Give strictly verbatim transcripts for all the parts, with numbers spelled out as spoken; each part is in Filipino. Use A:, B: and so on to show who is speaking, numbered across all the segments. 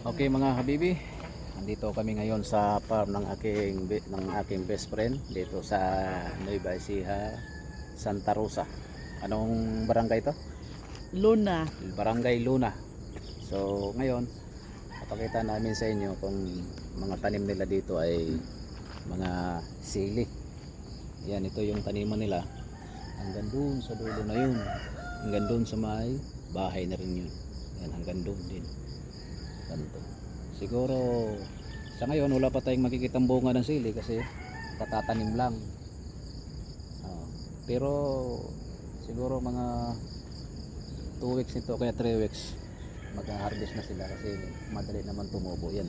A: Okay mga habibi, nandito kami ngayon sa farm ng aking ng aking best friend dito sa Nueva Ecija, Santa Rosa. Anong barangay to?
B: Luna.
A: Barangay Luna. So ngayon, papakita namin sa inyo kung mga tanim nila dito ay mga sili. Yan, ito yung taniman nila. Hanggang doon sa dulo na yun. Hanggang doon sa may bahay na rin yun. Yan, hanggang doon din. Ganito. Siguro sa ngayon wala pa tayong makikitang bunga ng sili kasi katatanim lang. Uh, pero siguro mga two weeks nito kaya three weeks mag-harvest na sila kasi madali naman tumubo yan.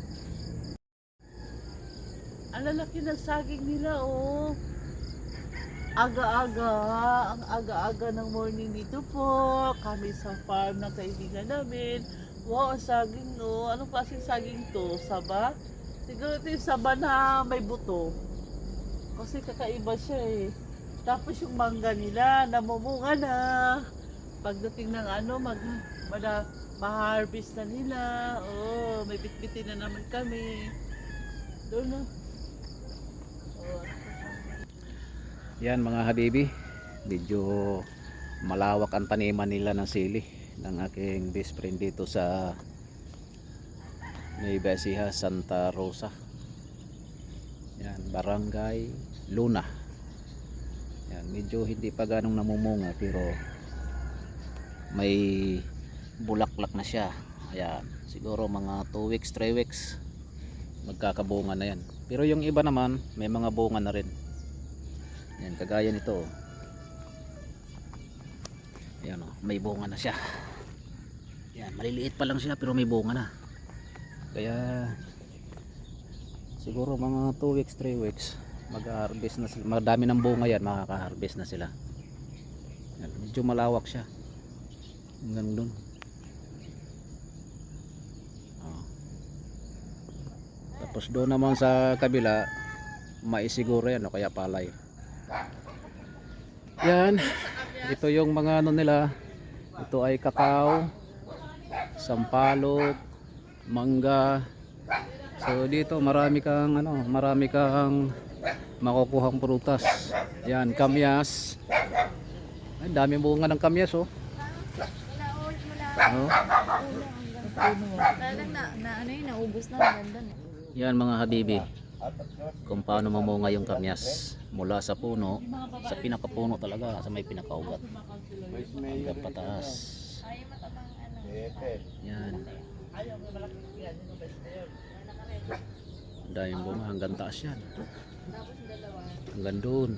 B: Ang lalaki ng saging nila, oh. Aga-aga, ang aga-aga ng morning dito po. Kami sa farm ng kaibigan namin. Wow, ang saging, no. Anong klaseng saging to? Saba? Siguro ito yung saba na may buto. Kasi kakaiba siya eh. Tapos yung mangga nila, namumunga na. Pagdating ng ano, mag, mada, ma-harvest na nila. Oh, may bitbitin na naman kami. Doon na. Oh.
A: Yan mga habibi, medyo malawak ang taniman nila ng sili ng aking best friend dito sa Nueva Ecija, Santa Rosa. Yan, Barangay Luna. Yan, medyo hindi pa ganong namumunga pero may bulaklak na siya. Ayan, siguro mga two weeks, three weeks magkakabunga na yan. Pero yung iba naman may mga bunga na rin. Yan, kagaya nito. Yan, oh, may bunga na siya. Yan, maliliit pa lang siya pero may bunga na. Kaya siguro mga two weeks, three weeks mag-harvest na sila. Madami ng bunga yan, makaka-harvest na sila. Yan, medyo malawak siya. Hanggang doon. Oh. Tapos doon naman sa kabila maisiguro yan o kaya palay. Yan, ito yung mga ano nila. Ito ay kakao, sampalok, mangga. So dito marami kang ano, marami kang makukuhang prutas. Yan, kamyas. Ay, daming bunga ng kamyas, oh. Oh.
C: Talagang na, na ano yun, naubos na, maganda na.
A: Yan mga habibi, kung paano mamunga yung kamyas mula sa puno, sa pinakapuno talaga, sa may pinakaugat hanggang pataas. Yan, daming bunga hanggang taas yan, hanggang doon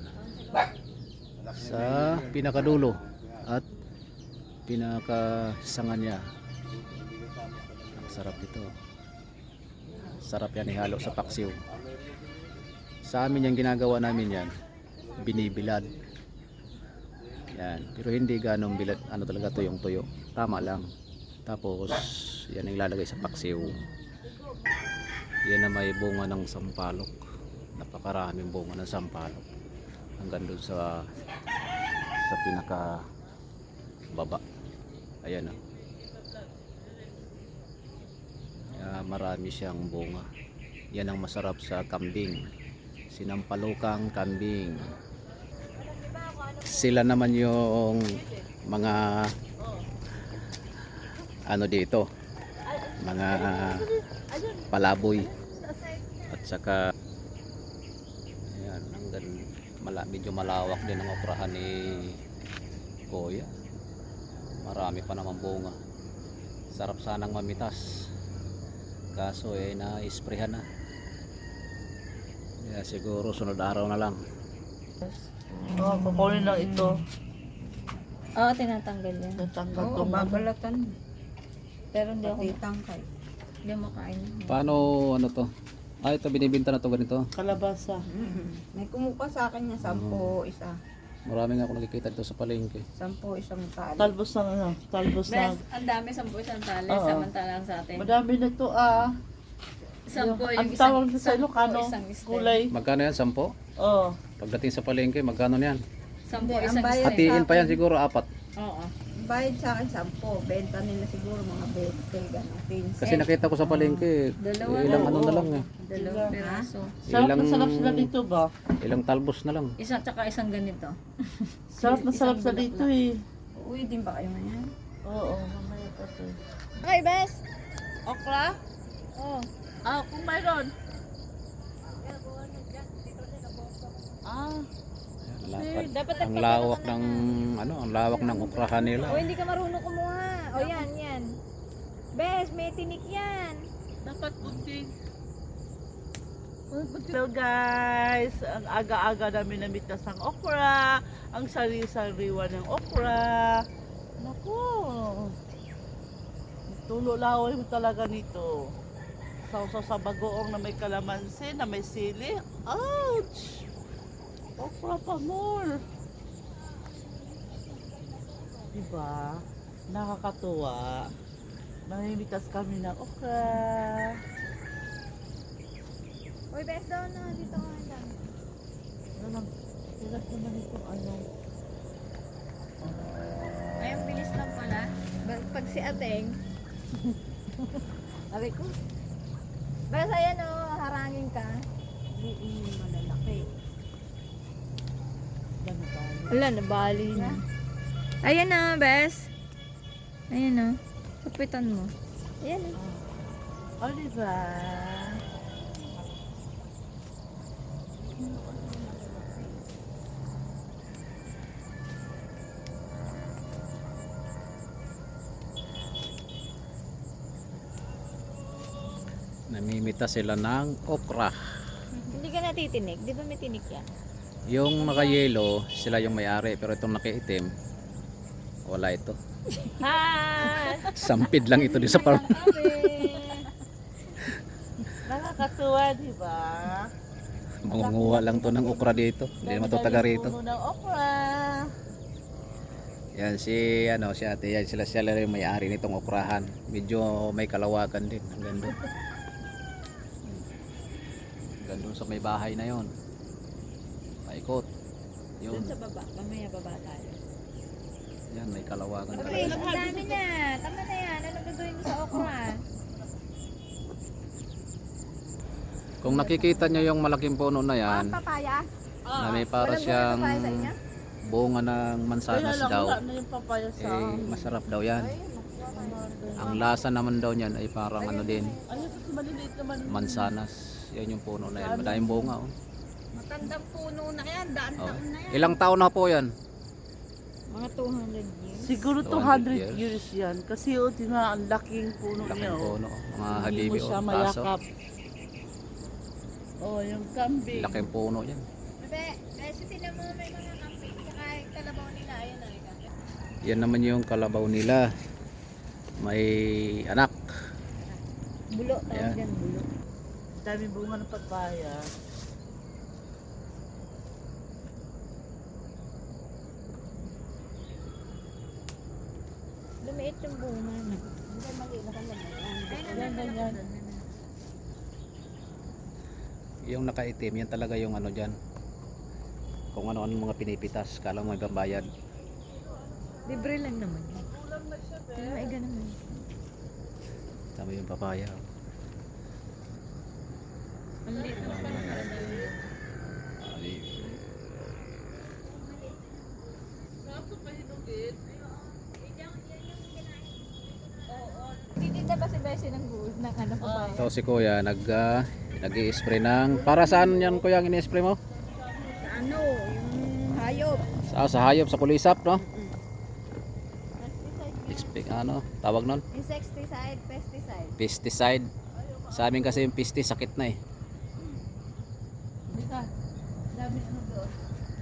A: sa pinakadulo at pinakasanga niya. Ang sarap ito, sarap yan ihalo sa paksiw. Sa amin yung ginagawa namin yan, binibilad yan, pero hindi ganong bilad, ano talaga tuyong tuyo, tama lang. Tapos yan ang ilalagay sa paksiw. Yan na may bunga ng sampalok, napakaraming bunga ng sampalok hanggang doon sa sa pinaka baba. Ayan, oh. Uh, marami siyang bunga. Yan ang masarap sa kambing, sinampalukang kambing. Sila naman yung mga ano dito, mga palaboy at saka ayan, hanggang mala, medyo malawak din ang operahan ni Kuya. Marami pa naman bunga. Sarap sanang mamitas, kaso eh na-isprehan na. Kaya siguro sunod araw na lang.
B: Oh, kukunin lang ito.
C: Oo, tinatanggal yan.
B: Natanggal
D: Oo,
B: ko man.
D: babalatan.
C: Pero hindi ako,
D: Pati tangkay.
C: hindi ako makain.
A: Paano ano to? Ah, ito binibinta na to ganito.
B: Kalabasa.
D: Mhm. May kumuha sa akin niya, sampo, isa.
A: Marami nga ako nakikita dito sa palengke.
D: Sampo, isang tali.
B: Talbos ng ano, talbos ng...
C: Ang dami, sampu isang tali,
B: Oo.
C: samantalang sa atin.
B: Madami na ito, ah.
C: Sampu
B: Ang
C: yung
B: tawag
C: isang,
B: sa Ilocano,
C: isang stem.
B: kulay.
A: Magkano yan? Sampo?
B: Oh.
A: Pagdating sa palengke, magkano yan?
C: Sampu
D: Hindi, ang
C: isang
D: bayad-
C: stem.
A: Hatiin pa yan siguro apat.
C: Oo.
D: Hindi, bayad sa akin sampo. Benta nila siguro mga twenty, gano'n. fifteen.
A: Kasi nakita ko sa palengke,
C: Dalawa
A: ilang
B: lang.
A: ano na lang eh.
C: Dalawang piraso.
B: Sarap na
A: Ilang-
B: sarap sila dito ba?
A: Ilang talbos na lang.
C: Isa tsaka isang ganito.
B: Sarap na sarap sila dito eh.
D: Uwi din ba kayo ngayon?
B: Oo, mamaya pa to.
C: Okay, bes.
B: Okra?
C: Oh.
B: Ah, kung mayroon. Ah,
A: Lapad.
C: dapat
A: Ang lawak ng ano, ang lawak ng okrahan nila.
C: O, hindi ka marunong kumuha. O, yan, yan. Bes, may tinik yan.
B: dapat kunting. Hello guys, ang aga-aga namin namitas ng okra, ang sari-sariwa ng okra. Naku, tulo laway mo talaga nito. Sausaw sa bagoong na may kalamansi, na may sili. Ouch! Okra pa more. Diba? Nakakatuwa. Namimitas kami ng okra.
C: Uy, bes, daw na. Dito ka lang.
B: Ano lang, hirap naman itong ano.
C: Ay, ang bilis lang pala. Ba- Pag si Ateng. Sabi ko. Bes, ayan o. Harangin ka.
D: Mm, malalaki.
B: Ganun tayo.
C: Wala, nabali na. Ayan na, bes. Ayan na. Kapitan mo. Ayan na.
B: Oh, diba?
A: Namimita sila ng okra.
C: Hindi ka natitinig. Di ba may tinik yan?
A: Yung naka-yellow, sila yung may-ari, pero itong naki-itim, wala ito.
B: Hi!
A: Sampid lang ito di sa farm.
B: Nakakatuwa, diba?
A: Mangunguha lang to ng okra dito. Hindi naman to taga rito.
B: Puno ng okra.
A: Yan si ano si ate, yan sila sila yung may-ari nitong okrahan. Medyo may kalawakan din hanggang doon. Hanggang doon sa may bahay na yon. Paikot. Yun.
C: Doon sa baba. Mamaya baba tayo.
A: Yan may kalawakan
C: Okay,
A: talaga.
C: ang dami na. Tama na yan. Ano gagawin mo sa okra?
A: Kung nakikita nyo yung malaking puno na yan,
C: Papaya?
A: na may para siyang bunga ng mansanas
B: Kaya lang,
A: daw,
B: wala na yung papaya sa...
A: eh masarap daw yan. Ang lasa naman daw niyan ay parang ano din,
B: Ayun, kasi maliliit naman.
A: mansanas. Yan yung puno na yan. Madaming bunga oh.
D: Matandang puno na yan. Daan
A: Oh.
D: taon na yan.
A: Ilang taon na po yan?
C: Mga two hundred years.
B: Siguro
A: two
B: two
A: hundred
B: hundred years yan. Kasi o, tingnan, ang laking puno niya.
A: Laking
B: oh.
A: puno. oh. Mga
B: Hindi mo
A: habibi
B: siya
A: oh. Kaso,
B: mayakap. Oh, yung kambing.
A: laking puno yan.
C: Bebe, kasi tinan mo may mga kamping. Tsaka yung kalabaw nila. Ayun na.
A: Yan naman yung kalabaw nila. May anak.
C: Bulo.
A: Ayan.
C: Tawag yan, bulo.
B: Dami bunga ng papaya.
C: Lumiit yung bunga na.
D: Hindi maliit na kami.
B: Yan, ganyan.
A: Yung nakaitim, yan talaga yung ano dyan. Kung ano-ano mga pinipitas, kala mo may babayad.
C: Libre lang naman yun. Kaya maiga naman.
A: Tama yung papaya. oh.
C: Ang liit naman pala.
A: Ay,
C: Titita ba si Bessie ng guud ng ano pa ba?
A: So si kuya nag uh, nag-i-spray ng para saan yan kuya ang ini-spray mo?
D: Ano, yung hayop.
A: Sa, sa hayop sa kulisap no? Expect ano tawag nun?
C: Insecticide, pesticide.
A: Pesticide. Sa amin kasi yung pesti sakit na eh.
B: Hindi ka. Dami ano doon.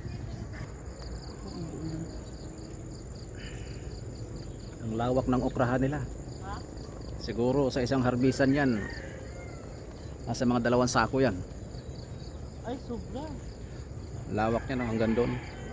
A: Ang lawak ng okrahan nila. Siguro sa isang harbisan yan. Nasa mga dalawang sako yan.
B: Ay, sobra.
A: Lawak niya no, hanggang doon.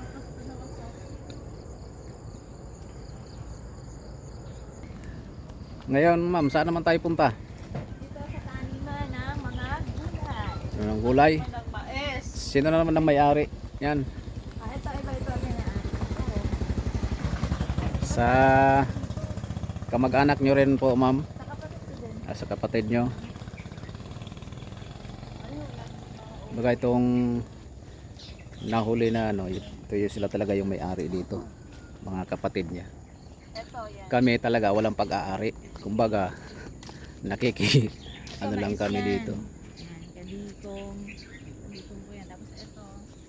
A: Ngayon ma'am, saan naman tayo punta?
C: Dito sa taniman ng mga gulay.
A: Ano ng gulay?
B: Ng mais.
A: Sino na naman ang may-ari? Yan.
C: Ah, ito, iba ito. Ganyan.
A: Sa kamag-anak nyo rin po, ma'am.
C: Sa kapatid ko din.
A: Ah, sa kapatid nyo. Baga itong nahuli na ano, ito yung sila talaga yung may-ari dito. Mga kapatid niya.
C: Ito, yan.
A: Kami talaga walang pag-aari. Kumbaga, nakiki
C: Ito,
A: ano lang
C: mais
A: kami
C: yan.
A: dito.
C: Yan, kaditong. Kaditong po yan. Tapos ito.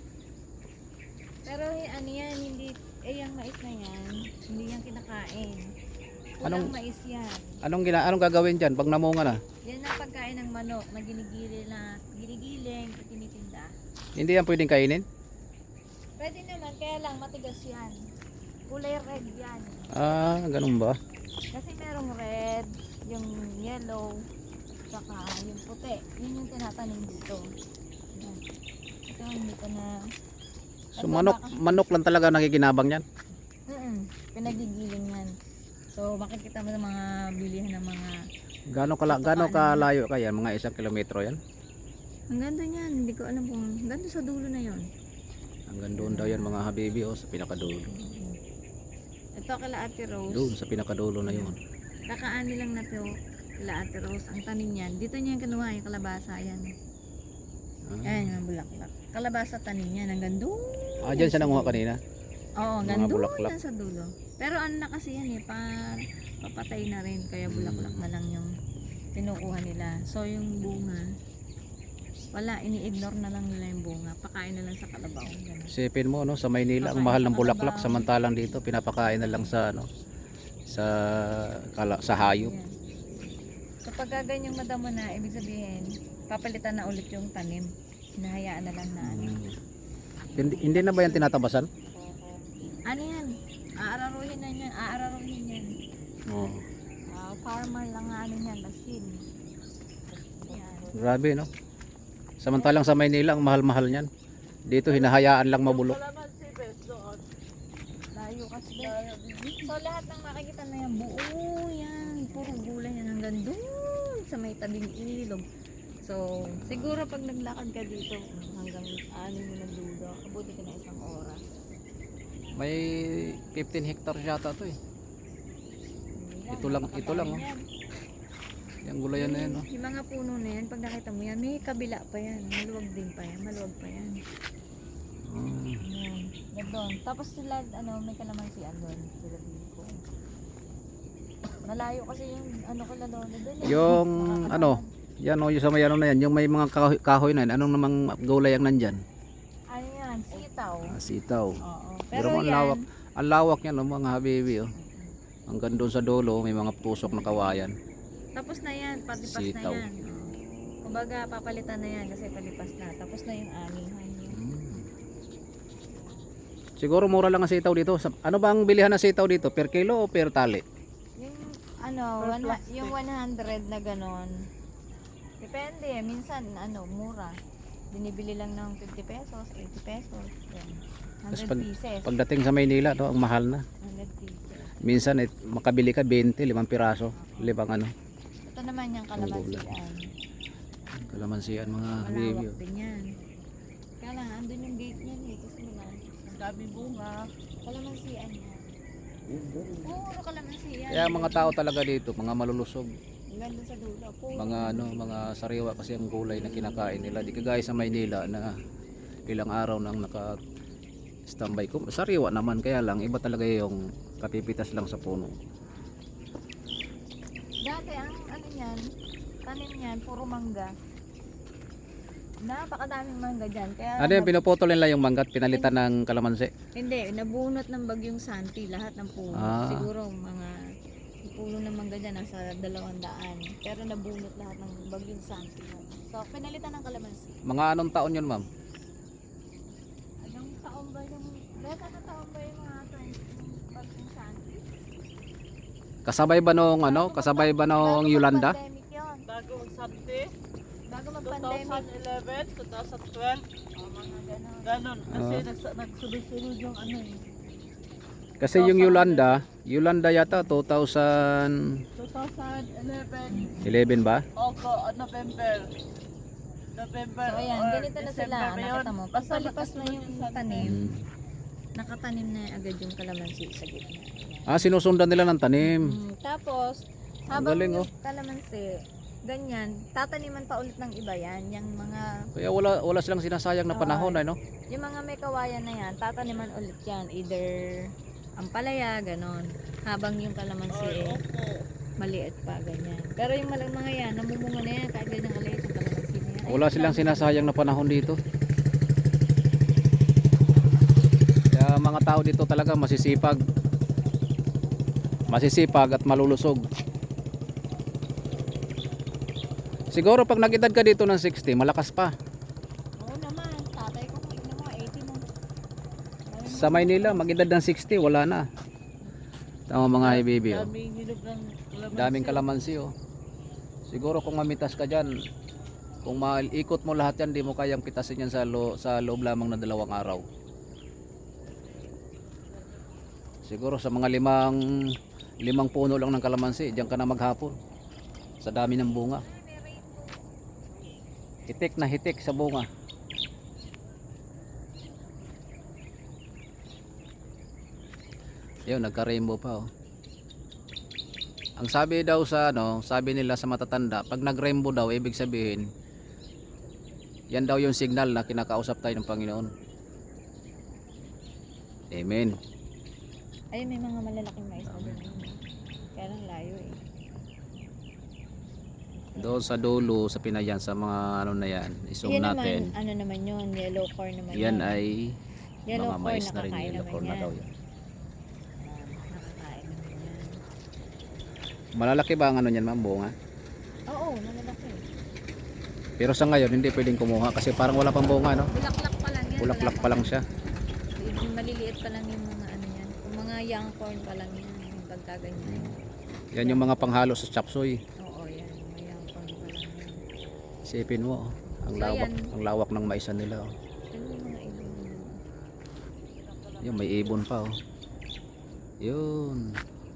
C: Pero eh, ano yan, hindi, eh yung mais na yan, hindi yan kinakain. Kulang
A: Anong-
C: mais yan.
A: Anong gina anong gagawin diyan pag namunga na?
C: Yan ang pagkain ng manok na ginigili na, ginigiling, tinitinda.
A: Hindi yan pwedeng kainin?
C: Pwede naman, kaya lang matigas yan. Kulay red yan.
A: Ah, ganun ba?
C: Kasi merong red, yung yellow, saka yung puti. Yun yung tinatanim dito. Yan. Ito, hindi ka na...
A: So manok, manok lang talaga nakikinabang yan.
C: Mm pinagigiling yan. So, makikita mo sa mga bilihan ng mga...
A: Gaano kala gaano kalayo kaya? Mga isang kilometro yan?
C: Hanggang doon yan, hindi ko alam kung... Hanggang doon sa dulo na yon.
A: Hanggang doon daw yan mga habibi oh, sa pinakadulo.
C: Ito kala Ate Rose.
A: Doon sa pinakadulo na yun.
C: Kakaani lang na to kala Ate Rose. Ang tanim niyan. Dito niya yung kinuha yung kalabasa yan.
A: Ah,
C: Ayan yung bulaklak. Kalabasa tanim niyan hanggang doon.
A: ah dyan siya nanguha kanina.
C: Oo, hanggang
A: Mga
C: doon
A: bulaklak.
C: yan sa dulo. Pero ano na kasi yan eh, pa, papatay na rin. Kaya bulaklak na lang yung pinukuha nila. So yung bunga, wala, ini-ignore na lang nila yung bunga. Pakain na lang sa kalabaw. Ganun.
A: Isipin mo no, sa Maynila ang mahal ng bulaklak samantalang dito pinapakain na lang sa ano sa kala, sa hayop.
C: Yan. So pag ganyang madamo na, ibig sabihin, papalitan na ulit yung tanim. Hinahayaan na lang na ano.
A: Hmm. Hindi, hindi na ba yan tinatabasan?
C: Ano yan? Aararuhin na yan. Aararuhin yan.
A: Oo.
C: Ah, farmer lang nga ano yan, machine. Yan.
A: Grabe no. Samantalang sa Maynila ang mahal-mahal niyan. Dito hinahayaan lang mabulok.
B: Kalamansi, bes, doon.
C: Layo kasi. So lahat ng makikita na yan, buo yan. Puro gulay yan hanggang doon sa may tabing ilog. So siguro pag naglakad ka dito hanggang anim mo ng dulo, abuti ka na isang oras.
A: May fifteen hectares yata to eh.
C: Hindi
A: Ito lang- ito lang, oh.
C: yan.
A: Yung gulayan na yan no.
C: Yung mga puno na yan, pag nakita mo yan, may kabila pa yan. Maluwag din pa yan, maluwag pa yan.
A: Hmm.
C: Yan, yan doon. Tapos sila, ano, may kalamansian doon. Sila dito. Malayo kasi yung, ano ko na doon. doon eh.
A: Yung
C: Nakakatawa.
A: ano, yan o, yung sa may ano na yan, yung may mga kahoy, kahoy na yan, anong namang gulay ang nandyan?
C: Ano yan, sitaw.
A: Ah, sitaw.
C: Oo.
A: Pero
C: Pero
A: ang
C: yan,
A: lawak, ang lawak yan, oh, mga habibi oh. Hanggang doon sa dulo, may mga tusok na kawayan.
C: tapos na yan, palipas
A: Sitaw.
C: na yan. Oo. Kumbaga, papalitan na yan kasi palipas na. Tapos na yung anihan niya.
A: Hmm. Siguro mura lang ang sitaw dito. Sa- Ano ba ang bilihan ng sitaw dito? Per kilo o per tali?
C: Yung, ano,
B: Per
C: one,
B: plastic.
C: yung one hundred na ganon. Depende, minsan, ano, mura. Binibili lang ng fifty pesos, eighty pesos. Yan.
A: Tapos
C: one hundred
A: pag-
C: pieces.
A: Pagdating sa Maynila, no, ang mahal na.
C: one hundred pieces.
A: Minsan eh, makabili ka twenty, limang piraso. Limang ano,
C: Ito naman yung kalamansian.
A: kalamansian mga habibi.
C: Malawak
A: Oh.
C: din yan. Kaya lang, andun yung gate niyan eh. Kasi wala.
B: Ang daming bunga.
C: Kalamansian yan. Puro kalamansian.
A: Kaya mga tao talaga dito, mga malulusog.
C: Ganda sa dulo. Puro.
A: Mga ano, mga sariwa kasi ang gulay na kinakain nila. Di kagaya sa Maynila na ilang araw nang naka standby ko. Sariwa naman kaya lang iba talaga yung kapipitas lang sa puno.
C: Dati ang ano yan, tanim yan, puro mangga. Napakadaming mangga dyan. Kaya
A: Ano yung pinuputol nila yung manggat pinalitan ng kalamansi?
C: Hindi, nabunot ng bagyong Santi lahat ng puno.
A: Ah.
C: Siguro mga puno ng mangga dyan nasa dalawang daan. Pero nabunot lahat ng bagyong Santi. So, pinalitan ng kalamansi.
A: Mga anong taon yun ma'am?
C: Anong taon ba yung... Beta na taon ba yung mga twenty bagyong Santi?
A: Kasabay ba nung ano? Kasabay ba nung
C: Bago
A: Yolanda?
C: mag-pandemic yun.
B: Bago ang Santi,
C: Bago mag-pandemic.
B: twenty eleven, twenty twelve,
C: Oh, mga ganon.
B: ganon. Kasi
A: Ah.
B: nags- nagsunod-sunod yung ano eh.
A: Kasi yung Yolanda, Yolanda yata two thousand
B: twenty eleven,
A: eleven ba?
B: Ogo, November. November
C: So, ayan,
B: or
C: ganito na sila.
B: December ba yun?
C: Nakita mo.
B: Basta
C: Pagpalipas na
B: nakasunod
C: yung
B: Santi.
C: tanim,
A: Hmm.
C: nakatanim na agad yung kalamansi sa gitna. Ayan.
A: Ah, sinusundan nila ng tanim.
C: Mm, tapos,
A: Ang
C: habang
A: galing,
C: yung
A: oh.
C: kalamansi, ganyan, tataniman pa ulit ng iba yan. Yung mga,
A: Kaya wala wala silang sinasayang na panahon,
C: Oo.
A: ano?
C: yung mga may kawayan na yan, tataniman ulit yan. Either ampalaya, ganon. Habang yung kalamansi,
B: Ay,
C: eh,
B: opo.
C: maliit pa, ganyan. Pero yung malang mga yan, namumunga na yan, kahit ganyan kaliit yung kalamansi na yan. Ay,
A: Wala silang
C: dami.
A: sinasayang na panahon dito. Kaya mga tao dito talaga masisipag. Masisipag at malulusog. Siguro pag nag-edad ka dito ng sixty, malakas pa.
C: Oo naman, tatay ko, kung ina mo, eighty mo.
A: Sa Maynila, mag-edad ng sixty, wala na. Tama mga ibibi, oh.
B: Daming hinog ng kalamansi.
A: Daming kalamansi, oh. Siguro kung mamitas ka dyan, kung maikot mo lahat yan, di mo kayang pitasin yan sa, lo, sa loob lamang na dalawang araw. Siguro sa mga limang limang puno lang ng kalamansi, diyan ka na maghapon. Sa dami ng bunga. Hitik na hitik sa bunga. Yun, nagka-rainbow pa, oh. Ang sabi daw sa ano, sabi nila sa matatanda, pag nag-rainbow daw, ibig sabihin, yan daw yung signal na kinakausap tayo ng Panginoon. Amen.
C: Ay, may mga malalaking mais na doon. Kaya lang layo eh.
A: Doon sa dulo, sa Pinayan, sa mga ano na yan, i-zoom
C: Yan
A: natin.
C: naman, ano naman yun, yellow corn naman
A: Yan
C: yun.
A: ay
C: Yellow
A: mga
C: corn,
A: mais na rin,
C: nakakain
A: yellow
C: naman
A: corn na
C: yan.
A: daw yan.
C: Ah, nakakain naman yan.
A: Malalaki ba ang ano niyan, ma'am, bunga?
C: Oo, malalaki.
A: Pero sa ngayon, hindi pwedeng kumuha kasi parang wala pang bunga, no?
C: Bulaklak pa lang yan.
A: Bulaklak pa lang siya.
C: Yung maliliit pa lang yung mga ano yan. Yung mga young corn pa lang yan. Yung pagkaganyan.
A: Yan yung mga panghalo sa chapsuy.
C: Oo, yan. Mga young corn pa lang yan.
A: Isipin mo, oh. Ang
C: So,
A: lawak,
C: yan.
A: ang lawak ng maisan nila, oh.
C: Ano yung mga ibon yan?
A: Yung may ibon pa, oh. Yun.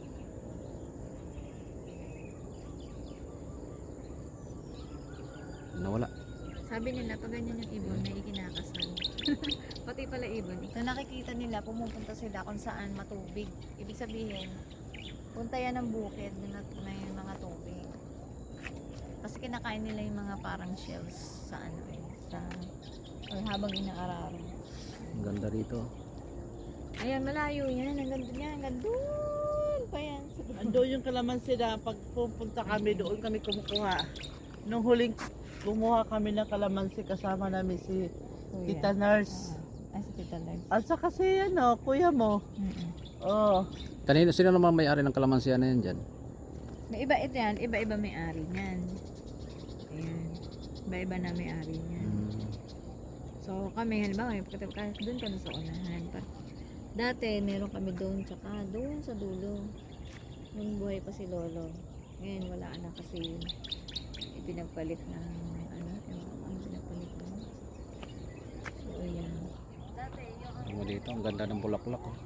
A: Nawala.
C: Sabi nila, pag ganyan yung ibon, may ikinakasal. Pati pala ibon. So nakikita nila, pumupunta sila kung saan matubig. Ibig sabihin, punta yan ng bukid na may mga tubig. Kasi kinakain nila yung mga parang shells sa ano eh, sa or habang inaararo.
A: Ang ganda rito.
C: Ayan, malayo yan. Ang ganda niya. Ang ganda doon pa yan.
B: Ando yung kalamansi na pag pupunta kami doon kami kumukuha. Nung huling kumuha kami ng kalamansi kasama namin si
C: Kuya.
B: Tita Nurse.
C: Ah, si Tita Lars.
B: At saka si ano, kuya mo.
C: Mm-mm.
B: Oh,
A: Kanino, sino naman may-ari ng kalamansiya na yan dyan?
C: May iba ito yan. Iba-iba may-ari niyan. Ayan. Iba-iba na may-ari niyan.
A: Hmm.
C: So kami, halimbawa, kahit doon kami sa unahan. Pa. Dati, meron kami doon, tsaka doon sa dulo. Nung buhay pa si Lolo. Ngayon, wala na kasi ipinagpalit ng, ano, ano pinagpalit na. So, ayan. Dati, yung
A: Ano mo dito, ang ganda ng bulaklak, oh.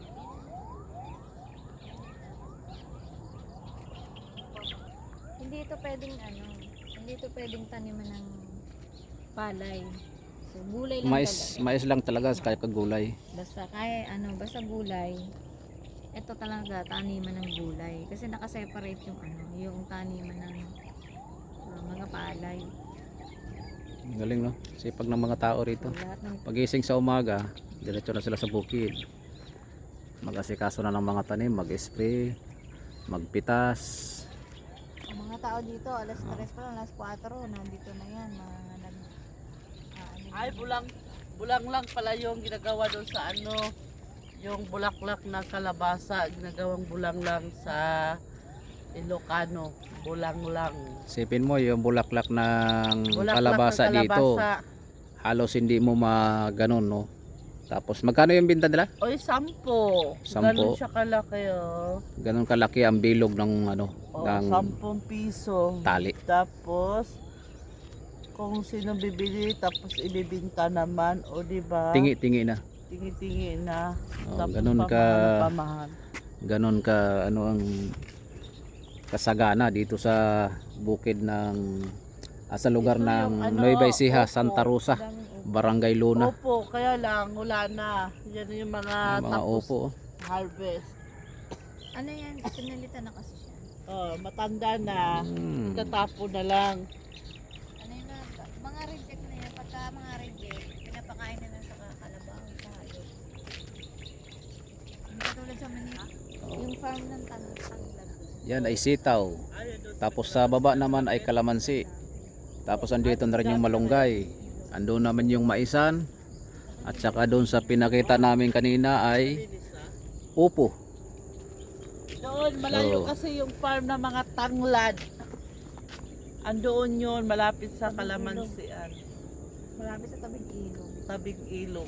C: hindi ito pwedeng, ano, hindi ito pwedeng taniman ng palay. So, gulay lang
A: Mais,
C: talaga.
A: mais lang talaga kaya kagulay.
C: Basta kaya ano, basta gulay. Ito talaga taniman ng gulay kasi naka-separate yung ano, yung taniman ng uh, mga palay.
A: Ang galing, no? Sipag ng mga tao
C: So,
A: rito.
C: lahat ng
A: Pagising sa umaga, diretso na sila sa bukid. Mag-asikaso na ng mga tanim, mag-spray, magpitas.
C: ang mga tao dito, alas tres pa lang, alas kwatro, nandito na yan, mga nag ah, ano
B: ay
C: yun.
B: bulang bulang lang pala yung ginagawa doon sa ano, yung bulaklak na kalabasa, ginagawang bulang lang sa Ilocano, bulang lang.
A: Sipin mo yung bulaklak ng
B: Bulaklak
A: kalabasa
B: ng
A: dito. Halos hindi mo maganon, no? Tapos magkano yung binta nila?
B: Oy, sampo.
A: Sampo.
B: Ganun siya kalaki, oh.
A: Ganon kalaki ang bilog ng ano,
B: Oh,
A: ng
B: sampung piso.
A: tali.
B: Tapos, kung sino bibili, tapos ibibinta naman, o di ba?
A: Tingi-tingi na.
B: Tingi-tingi na.
A: Oh,
B: Tapos
A: ganun ka
B: pamahal, pamahal.
A: ganon ka ano ang kasagana dito sa bukid ng ah, sa lugar
B: Ito yung
A: ng
B: ano,
A: Nueva Ecija,
B: opo.
A: Santa Rosa,
C: Daming upo.
A: Barangay Luna.
B: Opo, kaya lang, wala na. Yan yung mga,
A: Ang mga
B: tapos
A: opo.
B: harvest.
C: Ano yan? Pinalitan na kasi siya.
B: Oh, matanda na.
A: Hmm.
B: Tatapo na lang.
C: Ano yun na? Mga reject na yan. Pagka mga reject, pinapakain na lang sa kalabaw, sa hayop. Hindi katulad sa Manila. Yung farm ng tang tanglad.
A: Yan ay sitaw. Tapos sa baba naman ay kalamansi. Tapos andito na rin yung malunggay. Andun naman yung maisan. At saka doon sa pinakita namin kanina ay upo.
B: Doon, malayo
A: So,
B: kasi yung farm ng mga tanglad. Andoon yun, malapit sa Kalamansian.
C: Malapit sa tabing ilog.
B: Tabing ilog.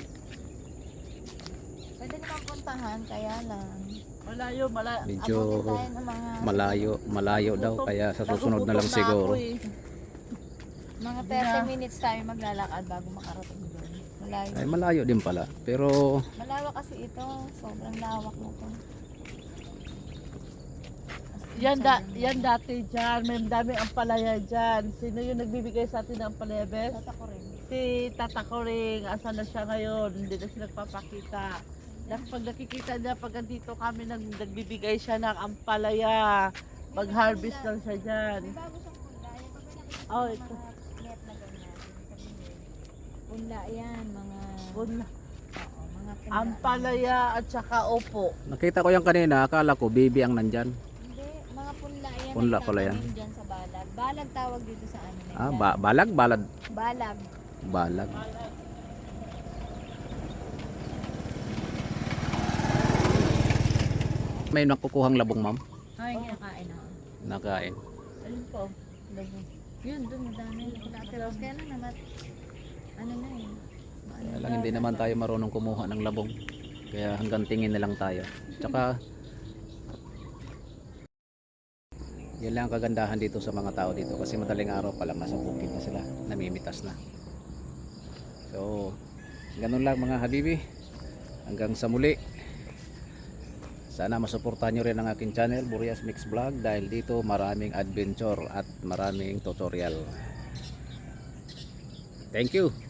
C: Pwede naman puntahan, kaya lang.
B: Malayo, malayo.
A: medyo
C: Abutin tayo ng mga
A: malayo, malayo daw kaya sa susunod na lang
B: Nagugutom
A: siguro.
B: ako eh.
C: mga
B: Hindi
C: thirty
B: na.
C: minutes tayo maglalakad bago makarating doon. Malayo.
A: Ay malayo din pala. Pero
C: Malawak kasi ito. Sobrang lawak na to.
B: Yan, da, yan dati dyan, may dami ang palaya dyan. Sino yung nagbibigay sa atin ng palaya, Bes?
C: Tata ko rin.
B: Si Tata Koring, asan na siya ngayon? Hindi na siya nagpapakita. Dahil pag nakikita niya, pag andito kami, nag, nagbibigay siya ng ampalaya. Mag-harvest lang siya dyan.
C: May bago siyang punla. Yung pag may nakikita
B: Oh,
C: ng
B: ito.
C: mga net na ganyan. Sabihin. Punla yan. Mga...
B: Punla.
C: Oo, mga punla.
B: Ampalaya at saka opo.
A: nakita ko yan kanina, akala ko baby ang nandyan.
C: Hindi. Mga punla yan.
A: Punla
C: ang
A: pala yan.
C: tatanim dyan sa balag. Balag tawag dito sa ano nila.
A: Ah, ba balag, balad,
C: Balag.
A: balag. May nakukuhang labong, ma'am.
C: Ay, kinakain ako.
A: Nakain.
B: Ayun po. Labo.
C: Yun, dun madami. Lateros. Kaya lang naman. Ano na eh. Ano
A: Kaya lang hindi naman tayo marunong kumuha ng labong. Kaya hanggang tingin na lang tayo. Tsaka yun lang ang kagandahan dito sa mga tao dito kasi madaling araw pa lang nasa bukid na sila, namimitas na. So, ganun lang mga habibi. Hanggang sa muli. Sana masuportahan nyo rin ang aking channel, Burias Mix Vlog, dahil dito maraming adventure at maraming tutorial. Thank you!